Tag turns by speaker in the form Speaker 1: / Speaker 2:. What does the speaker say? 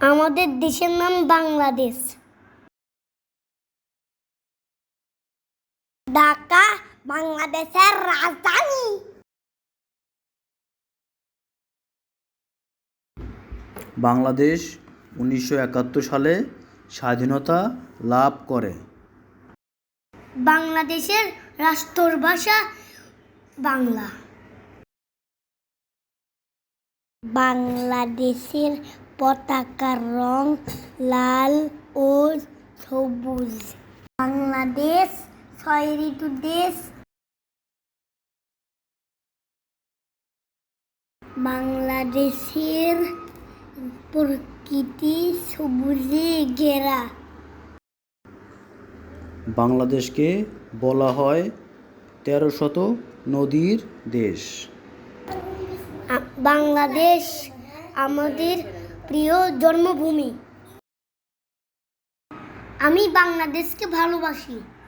Speaker 1: আমাদের দেশের নাম বাংলাদেশ। ঢাকা বাংলাদেশের রাজধানী।
Speaker 2: বাংলাদেশ 1971 সালে স্বাধীনতা লাভ করে।
Speaker 1: বাংলাদেশের রাষ্ট্রভাষা বাংলা। বাংলাদেশের পতাকার রং লাল ও সবুজ। বাংলাদেশ 6 ঋতুর দেশ। বাংলাদেশের প্রকৃতি সবুজে ঘেরা।
Speaker 2: বাংলাদেশকে বলা হয় 13শত নদীর দেশ।
Speaker 1: বাংলাদেশ আমাদের প্রিয় জন্মভূমি। আমি বাংলাদেশকে ভালোবাসি।